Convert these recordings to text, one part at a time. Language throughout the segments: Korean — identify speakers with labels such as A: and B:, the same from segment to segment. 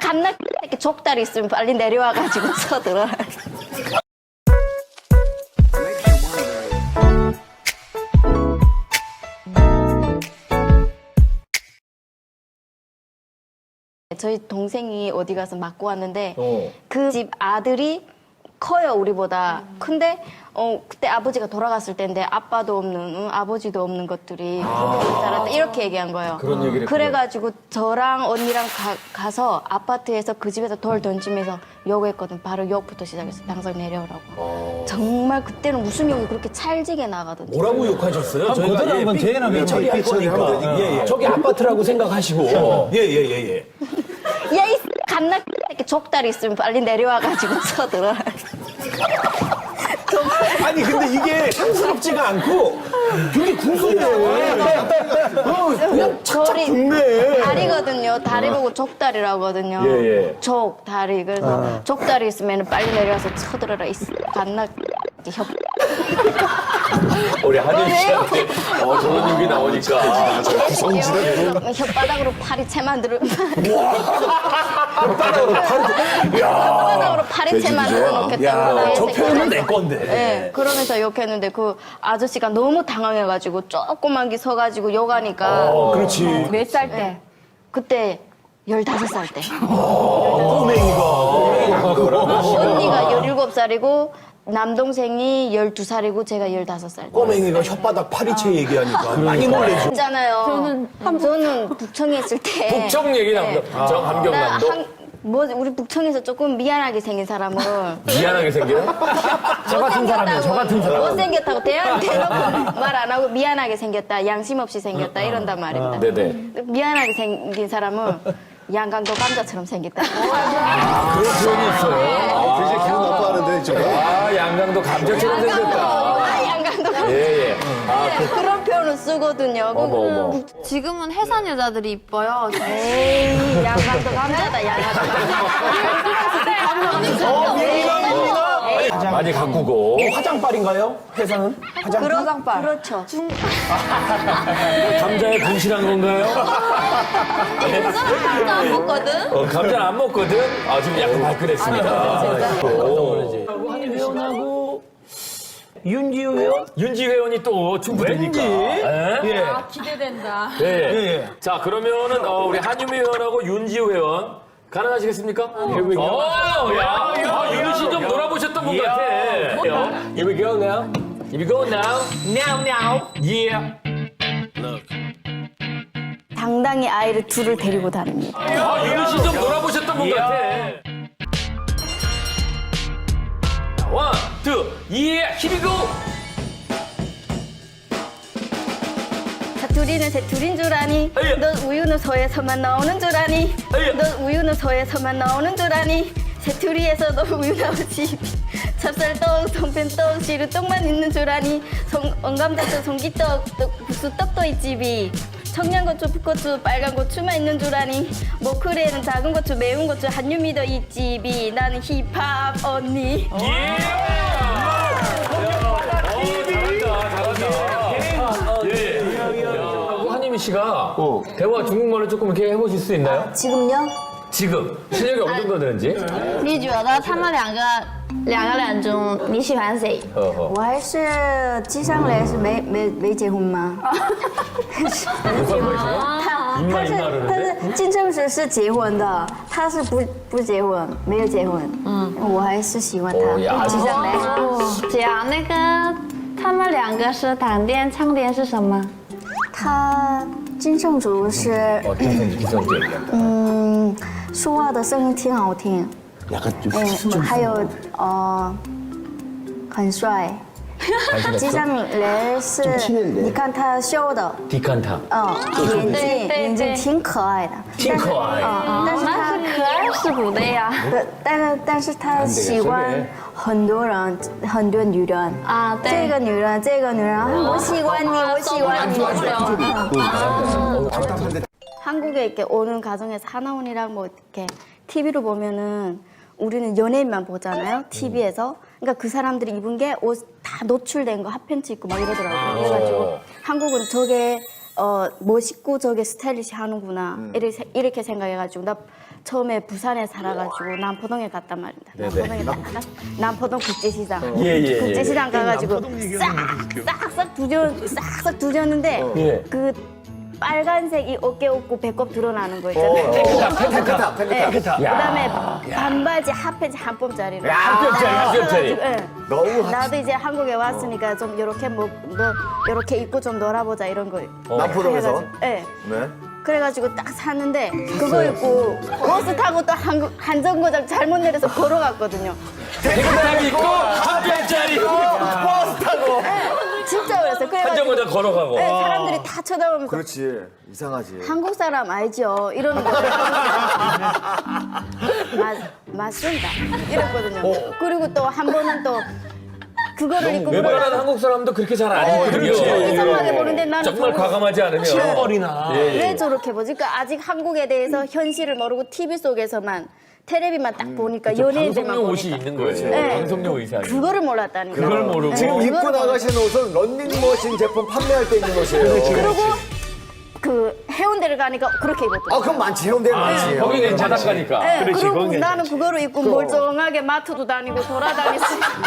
A: 갓나 이렇게 족다리 있으면 빨리 내려와가지고 쳐들어. 저희 동생이 어디 가서 맞고 왔는데 그 집 아들이 커요, 우리보다. 근데 그때 아버지가 돌아갔을 때인데 아빠도 없는, 아버지도 없는 것들이 그렇게 살았다 이렇게 얘기한 거예요.
B: 그런 얘기를
A: 그래가지고 저랑 언니랑 가서 아파트에서 그 집에서 돌 던지면서 욕했거든. 바로 욕부터 시작해서 당장 내려오라고. 정말 그때는 무슨 욕이 그렇게 찰지게 나가던지.
B: 뭐라고 욕하셨어요? 저희가
C: 그대로 한번 재현하면
B: 처리할 거니까. 예, 예. 저기 아파트라고 생각하시고. 예.
A: 야, 이 갓나 이렇게 족다리 있으면 빨리 내려와가지고 쳐들어.
B: 아니 근데 이게 상스럽지가 않고 되게 궁금해. 그냥 착착 붙네.
A: 다리거든요. 다리 보고 족다리라고 하거든요.
B: 예.
A: 족, 다리. 그래서 족다리 있으면 빨리 내려와서 쳐들어라. 이 갓나 협.
B: 우리 한윤 씨한테 저런 얘기 나오니까.
A: 혓바닥으로 파리채 만들어.
B: 야,
A: 파리채 만들어 놓겠다고.
B: 저 표현은 내 건데.
A: 네, 그러면서 욕했는데 그 아저씨가 너무 당황해가지고 조그만 게 서가지고 욕하니까.
B: 그렇지.
A: 몇 살 때? 그때 15살 때. 언니가 17살이고 남동생이 12살이고 제가 15살.
B: 꼬맹이가 혓바닥 파리채 얘기하니까 많이 놀래죠.
A: 있잖아요. 저는 북청에 있을 때.
D: 북청 얘기 나온다. 북청, 함경남도.
A: 우리 북청에서 조금 미안하게 생긴 사람은.
D: 미안하게 생겨요?
C: 저 같은 사람이에요. 저 같은 사람.
A: 못생겼다고 대놓고 말 안 하고 미안하게 생겼다, 양심 없이 생겼다 이런단 말입니다.
D: 네네.
A: 미안하게 생긴 사람은 양강도 감자처럼 생겼다.
D: 그런 표현이 있어요.
E: 되게 기분 나빠하는데 지금.
D: 아, 양강도 감자처럼 생겼다.
A: 양강도 감자.
D: 예.
A: 그런 표현을 쓰거든요.
D: 어머.
F: 지금은 해산 여자들이 이뻐요.
A: 에이, 양강도 감자다, 양강도 감자.
D: 많이 가꾸고.
B: 화장빨인가요? 회사는?
A: 화장빨. 그렇죠.
D: 감자에 분실한 건가요?
F: 감자 안 먹거든?
D: 감자는 안 먹거든? 아, 지금 약간 발끈했습니다.
B: 한윤 회원하고 윤지우 회원?
D: 윤지 회원이 또 충분되니까. 예?
F: 기대된다.
D: 예. 자, 그러면은 우리 한유미 회원하고 윤지우 회원 가능하시겠습니까? 야, 윤희 씨 좀 놀아보셨던 분 같아. Here we go now. Here we go now. Now. Yeah.
A: 당당히 아이를 둘을 데리고 다닙니다.
D: 윤희 씨 좀 놀아보셨던 분 같아. 원, 투, yeah, here we go.
A: 자, 둘이는 새 둘인 줄 아니?
D: 아예.
A: 너 우유는 소에서만 나오는 줄 아니?
D: 아예.
A: 너 우유는 소에서만 나오는 줄 아니? 새투리에서 너 우유 나오지. 찹쌀떡, 송편떡, 시루떡만 있는 줄 아니? 언감자떡, 송기떡, 국수떡도 있지비. 청양고추, 풋고추, 빨간 고추만 있는 줄 아니? 모크리에는 작은 고추, 매운 고추, 한유미도 있지비. 나는 힙합 언니.
D: 한유미 씨가 대화 중국말을 조금 이렇게 해보실 수 있나요?
A: 지금요?
D: 지금 실력이 어느 정도 되는지?
F: 你觉得他们两个人中你喜欢谁？
A: 我还是季尚雷是没结婚吗？他是金正实是结婚的，他是不结婚，没有结婚。我还是喜欢他。季尚雷，
F: 讲那个他们两个是谈恋唱恋是什么？
A: 他金正竹是说话的声音挺好听，
B: 약간 좀
A: 还有很帅。季尚雷是，你看他秀的，
D: 디칸타.
A: 眼睛挺可爱的，
D: 挺可爱
A: 但是他
F: 可爱是不对呀。
A: 但是他喜欢很多人，很多女人
F: 啊对
A: 这个女人，我喜欢你，我喜欢你。 한국에 이렇게 오는 가정에서 하나원이랑 뭐 이렇게 TV로 보면은 우리는 연예인만 보잖아요, TV에서. 그러니까 그 사람들이 입은 게 옷 다 노출된 거 핫팬츠 입고 막 이러더라고요. 그래가지고 한국은 저게 멋있고 저게 스타일리시 하는구나 이렇게 생각해가지고 나 처음에 부산에 살아가지고 남포동에 갔단 말입니다. 남포동에 갔다가 남포동 국제시장 국제시장 가가지고 싹싹 두졌는데 그 빨간색 이 어깨 없고 배꼽 드러나는 거 있잖아요.
B: 펜타.
A: 그다음에 반바지 핫팬츠 한 뼘짜리를
D: 한 뼘짜리.
B: 너무
A: 나도 이제 한국에 왔으니까 좀 이렇게 뭐 이렇게 입고 좀 놀아보자 이런 거.
B: 남포동에서?
A: 네.
B: 네.
A: 그래가지고 딱 샀는데 그거 입고 버스 타고 또 한정거장 잘못 내려서 걸어갔거든요.
D: 넥타이 입고 한 뼘짜리
B: 버스 타고.
A: 진짜 그랬어요. 그래가지고
D: 한정거장 걸어가고.
A: 네, 사람들이 다 쳐다보면서
B: 그렇지. 이상하지.
A: 한국 사람 알죠? 이러는 거. 맞습니다. 이랬거든요. 그리고 또 한 번은 또 그거를 입고
D: 웬만한 한국 사람도 그렇게 잘 안 입거든요.
A: 이상하게 보는데 나는
D: 정말 과감하지 않으면.
B: 춤벌이나.
A: 왜 저렇게 보지? 그러니까 아직 한국에 대해서 현실을 모르고 TV 속에서만 텔레비만 딱 보니까 연예인들만
D: 방송용 옷이
A: 보니까
D: 있는 거예요.
A: 네.
D: 방송용 의상이.
A: 그거를 몰랐다니까.
D: 그걸 모르고.
B: 지금 입고
A: 그거를
B: 나가시는 옷은 런닝머신 제품 판매할 때 입는 옷이에요.
A: 그리고 그 해운대를 가니까 그렇게 입었더라고요.
B: 그럼 많지. 해운대 많지.
D: 거기는 바닷가니까.
A: 네,
C: 그렇지,
A: 그리고
C: 그건
A: 나는 그거를 입고 멀쩡하게 마트도 다니고 돌아다녔어요.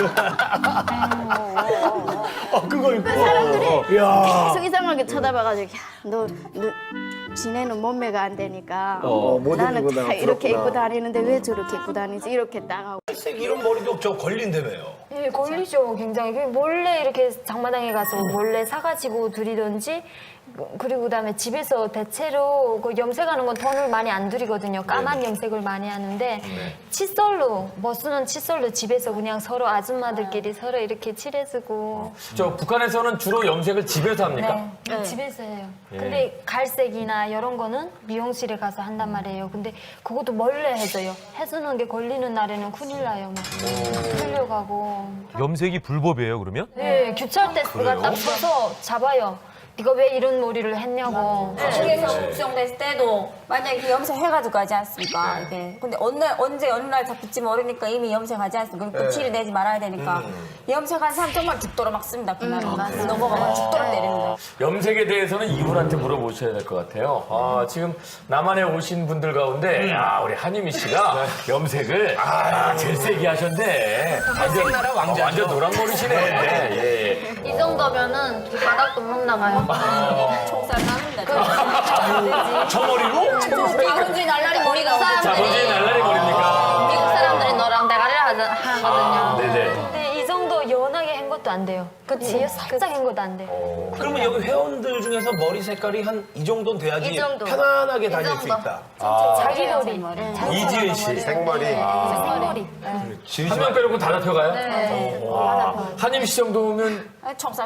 B: 그거 입고.
A: 사람들이 계속 이상하게 쳐다봐가지고 야, 너 지네는 몸매가 안 되니까
B: 못
A: 나는
B: 입고
A: 다
B: 나가,
A: 이렇게
B: 부럽구나.
A: 입고 다니는데 왜 저렇게 입고 다니지? 이렇게 딱 하고.
B: 이런 머리도 저 걸린다며요.
E: 네, 걸리죠, 굉장히. 몰래 이렇게 장마당에 가서 몰래 사가지고 들이던지, 그리고 그다음에 집에서 대체로 그 염색하는 건 돈을 많이 안 들이거든요. 까만 염색을 많이 하는데 칫솔로, 멋쓰는 칫솔로 집에서 그냥 서로 아줌마들끼리 서로 이렇게 칠해주고.
D: 저 북한에서는 주로 염색을 집에서 합니까?
E: 네, 집에서 해요. 근데 갈색이나 이런 거는 미용실에 가서 한단 말이에요. 근데 그것도 몰래 해줘요. 해주는 게 걸리는 날에는 큰일 나요. 막 끌려가고.
G: 염색이 불법이에요, 그러면?
E: 네, 규찰 테스트가 딱 서서 잡아요. 네가 왜 이런 머리를 했냐고.
H: 한국에서 국정됐을 때도 만약에 이렇게 염색해가지고 가지 않습니까? 이게. 근데 언제 어느 날 잡힐지 모르니까 이미 염색하지 않습니까? 그럼 티를 내지 말아야 되니까. 염색한 사람 정말 죽도록 막습니다. 그날은. 넘어가면 죽도록 때립니다.
D: 염색에 대해서는 이분한테 물어보셔야 될 것 같아요. 지금 남한에 오신 분들 가운데 우리 한유미 씨가 염색을 제일 세게 하셨네. 완전 노란머리시네. 예.
F: 이 정도면은 바닥도 못 나가요.
H: 총살 나는데.
D: 저 머리로?
H: 자본주의 날라리 머리가
D: 자본주의 날라리 머리입니까?
F: 미국 사람들이 너랑 대가리를 하거든요.
D: 네네.
E: 근데 이 정도 연하게 한 것도 안 돼요. 그치? 살짝 한 것도 안 돼요.
B: 그러면 여기 회원들 중에서 머리 색깔이 한 이 정도는 돼야지
F: 이 정도.
B: 편안하게
F: 이
B: 다닐 수
F: 정도.
B: 있다.
E: 자기 머리.
D: 이지은 씨.
B: 생머리.
E: 생머리.
D: 한 명 빼놓고 다 잡혀가요? 한유미 씨 정도면
H: 총살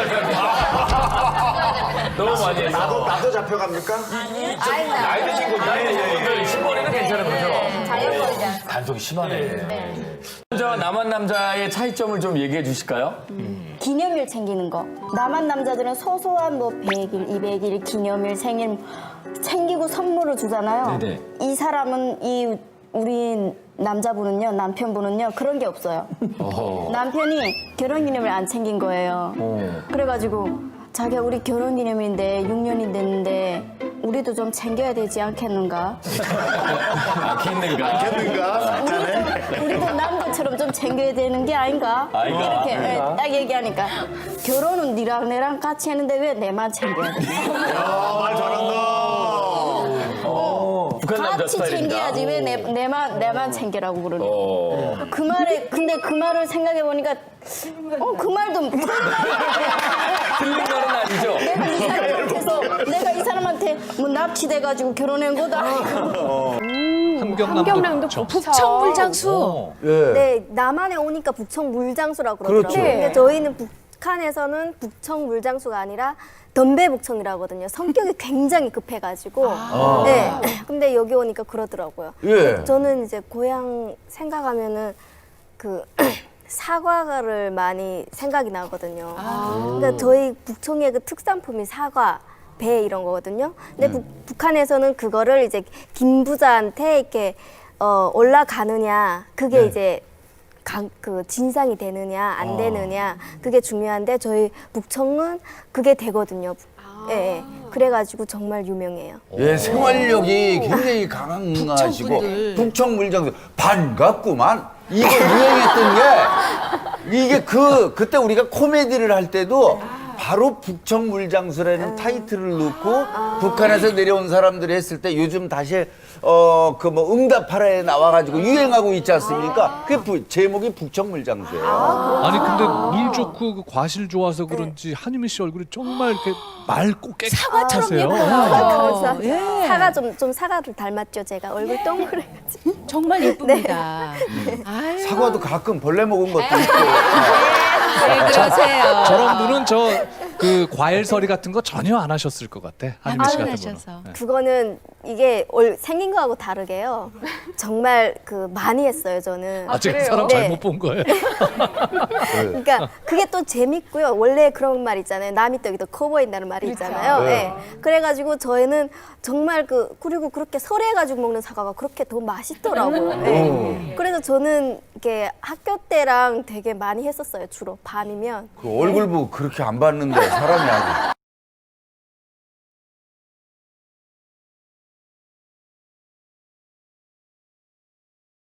D: 너무 많이 했어.
B: 나도 잡혀갑니까?
D: 나이 드신 분들 신머리는 괜찮은 거죠?
H: 자연머리지 않습니까?
D: 단속이 심하네. 남자와 남한 남자의 차이점을 좀 얘기해 주실까요?
A: 기념일 챙기는 거. 남한 남자들은 소소한 뭐 100일, 200일 기념일, 생일 챙기고 선물을 주잖아요.
D: 네네.
A: 이 사람은 우리 남자분은요, 남편분은요 그런 게 없어요. 남편이 결혼기념일 안 챙긴 거예요. 그래가지고 자기야 우리 결혼기념일인데 6년이 됐는데 우리도 좀 챙겨야 되지 않겠는가?
D: 않겠는가?
A: 우리도 남자처럼 좀 챙겨야 되는 게 아닌가? 이렇게 딱 얘기하니까 결혼은 니랑 내랑 같이 했는데 왜 내만 챙겨야 돼?
B: 말 잘한다.
D: 북한 남자
A: 같이
D: 스타일입니다.
A: 챙겨야지 왜 내만 챙기라고 그러는 그 말에 근데 그 말을 생각해 보니까 그 말도
D: 틀린 말은 아니죠?
A: 내가 이 사람한테 뭐 납치돼가지고 결혼한 것도 아니고
I: 함경남도 북청 물장수.
J: 네, 남한에 오니까 북청 물장수라고 그러더라고요. 근데 저희는 북한에서는 북청 물장수가 아니라 덤배북청이라고 하거든요. 성격이 굉장히 급해가지고. 네. 근데 여기 오니까 그러더라고요. 저는 이제 고향 생각하면은 그 사과를 많이 생각이 나거든요. 그러니까 저희 북청의 그 특산품이 사과, 배 이런 거거든요. 근데 북한에서는 그거를 이제 김부자한테 이렇게 올라가느냐, 그게 이제 그 진상이 되느냐 안 되느냐 그게 중요한데 저희 북청은 그게 되거든요. 예, 예. 그래가지고 정말 유명해요.
K: 예, 생활력이 굉장히 강하시고
I: 북청분들.
K: 북청 물장수 반갑구만. 이거 유행했던 게 이게 그때 우리가 코미디를 할 때도 바로 북청 물장수라는 타이틀을 넣고 북한에서 내려온 사람들이 했을 때 요즘 다시 그 뭐 응답하라에 나와가지고 유행하고 있지 않습니까? 그 제목이 북청 물장수예요.
L: 아니 근데 물 좋고 그 과실 좋아서 그런지 한유미 씨 얼굴이 정말 이렇게 맑고
I: 사과처럼
L: 깨끗하세요.
J: 감사합니다.
I: 예.
J: 사과 좀 사과를 닮았죠, 제가. 얼굴 동그래가지고.
I: 정말 예쁩니다. 아유,
K: 사과도 가끔 벌레 먹은 것도 있고.
I: 왜 그러세요?
L: 저런 분은 그 과일서리 같은 거 전혀 안 하셨을 것 같아. 한유미 씨
I: 안
L: 같은
I: 하셔서.
L: 분은. 네.
J: 그거는 이게 생긴 거하고 다르게요. 정말 많이 했어요, 저는.
L: 제가 그 사람
J: 네.
L: 잘못 본 거예요.
J: 그러니까 그게 또 재밌고요. 원래 그런 말 있잖아요. 남이 떡이 더 커 보인다는 말이 있잖아요. 네. 그래가지고 저희는 정말 그리고 그렇게 설해가지고 먹는 사과가 그렇게 더 맛있더라고요. 네. 그래서 저는 이게 학교 때랑 되게 많이 했었어요. 주로 밤이면.
K: 그 얼굴 보고 그렇게 안 봤는데 사람이 아주